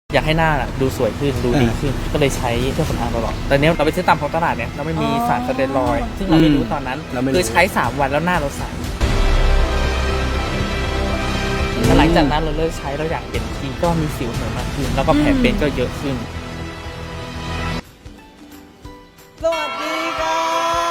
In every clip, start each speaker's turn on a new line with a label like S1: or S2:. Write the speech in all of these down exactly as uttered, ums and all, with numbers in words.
S1: อยากให้หน้าดูสวยขึ้นดูดีขึ้นก็เลยใช้เครื่องสำอางตลอดแต่เนี้ยเราไปซื้อตามท้องตลาดเนี่ยเราไม่มีสารสเตียรอยด์ซึ่งเราไม่รู้ตอนนั้นคือใช้สามวันแล้วหน้าเราใสหลังจากนั้นเราเลิกใช้เราอยากเปลี่ยนทีก็มีสิวเหนมากขึ้นแล้วก็แผลเป็นก็เยอะขึ้น
S2: สวัสดีค่ะ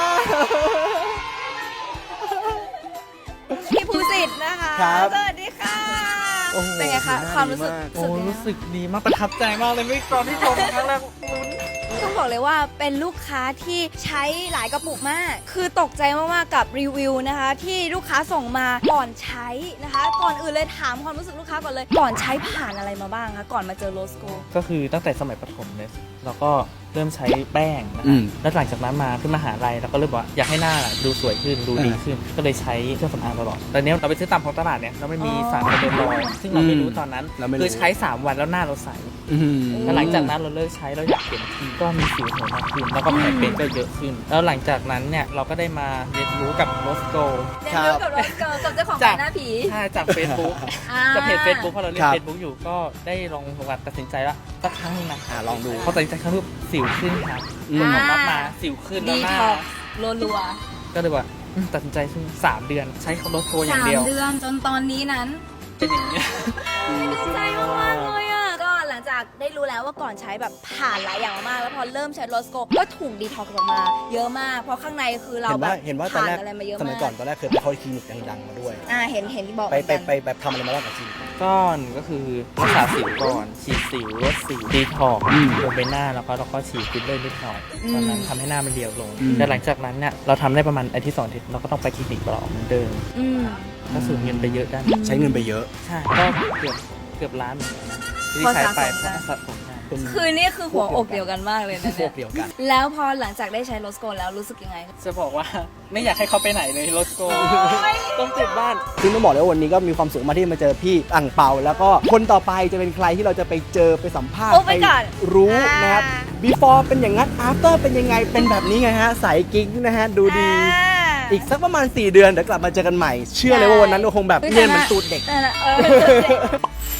S3: พี่ภูสิทธิ์นะคะสวัสดีค่ะเป็นไงคะความรู้สึก
S1: โอ้รู้สึกดีมากประทับใจมากเลยไม่ตอนที่ชมครั้งแรก
S3: ต้องบอกเลยว่าเป็นลูกค้าที่ใช้หลายกระปุกมากคือตกใจมากๆกับรีวิวนะคะที่ลูกค้าส่งมาก่อนใช้นะคะก่อนอื่นเลยถามความรู้สึกลูกค้าก่อนเลยก่อนใช้ผ่านอะไรมาบ้างคะก่อนมาเจอโรสโก
S1: ก็คือตั้งแต่สมัยประถมเลยเราก็เริ่มใช้แป้งนะคะแล้วหลังจากนั้นมาขึ้นมหาลัยเราก็เริ่มว่าอยากให้หน้าดูสวยขึ้นดูดีขึ้นก็เลยใช้เครื่องสำอางตลอดแต่เนี้ยเราไปซื้อตามท้องตลาดเนี่ยเราไม่มีสารสเตียรอยด์ซึ่งเราไม่รู้ตอนนั้นคือใช้สามวันแล้วหน้าเราใสแล้วหลังจากนั้นเราเลิกใช้เราอยากเปลี่ยนทีก็มีสิวเหนมากขึ้นแล้วก็แผลเป็นก็เยอะขึ้นแล้วหลังจากนั้นเนี่ยเราก็ได้มาเรียนรู้กับโรสโก
S3: เรียนรู้กับโรสโกกับเจ้าของร้านหน้าผี
S1: ใช่จากเฟซบุ๊กจากเพจเฟซบุ๊กพอเราเล่นเฟซบุ๊กอยู่ก็ได้ลองลองตัดสินใจว่าสักครั้งนึงนะ
S2: ลองดู
S1: พอตัดสินใจครั้งนึงสิวขึ้นครับผลออกมาสิวขึ้นแล้วหน้า
S3: รัว
S1: ๆก็เลยว่าตัดสินใจซึ่งสามเดือนใช้โรสโกอย่างเดียว
S3: สามเดือนจนตอนนี้นั้น
S1: เป็นอย่างนี้
S3: ดีใจมากเลยอ่ะก็หลังจากได้รู้แล้วว่าก่อนใช้แบบผ่านหลายอย่างมากแล้วพอเริ่มใช้โรสโกก็ถูกดีท็อกซ์ออกมาเยอะมากเพราะข้างในคือเราแบบ
S2: เห็นว่าตอนแรกสมัยก่อนตอนแรกเคยไปเข้าคลินิกดังๆมาด้วย
S3: อ่าเห็นเห็นที่บอก
S2: ไปไปไปแบบทำอะไรมาบ้างกับคลินิก
S1: ก้อนก็คือรักษาสิวก่อนฉีดสิวลดสิวดีท็อกซ์ลงไปหน้าแล้วก็เราก็ฉีดฟิลเลอร์นิดหน่อยตอนนั้นทำให้หน้ามันเรียวลงแต่หลังจากนั้นเนี่ยเราทำได้ประมาณอาทิตย์สองอาทิตย์เราก็ต้องไปคลินิกต่อเหมือนเดิมก็สูญเงินไปเยอะด้าน
S2: ใช้เงินไปเยอะ
S1: ใช่ก็เกือบเกือบล้านเหมือนกันที่ใช้ไปเพราะสะสม
S3: คือนี่คือหัวอกเดียวกันมากเลยนะ
S2: เนี่ยเดียวกัน
S3: แล้วพอหลังจากได้ใช้โรสโกแล้วรู้สึกยังไง
S1: จะบอกว่าไม่อยากให้เขาไปไหนเลยโรสโกต้องติดบ้าน
S2: ซึ่งต้องบอกเลยว่าวันนี้ก็มีความสุขมากที่มาเจอพี่อั่งเปาแล้วก็คนต่อไปจะเป็นใครที่เราจะไปเจอไปสัมภาษณ์
S3: ไป
S2: รู้นะครับ before เป็นอย่างนั้น after เป็นยังไงเป็นแบบนี้ไงฮะใสกิ๊กนะฮะดูดีอีกสักประมาณสี่เดือนเดี๋ยวกลับมาเจอกันใหม่เชื่อเลยว่าวันนั้นเราคงแบบเนียนเหมือนตูดเด็ก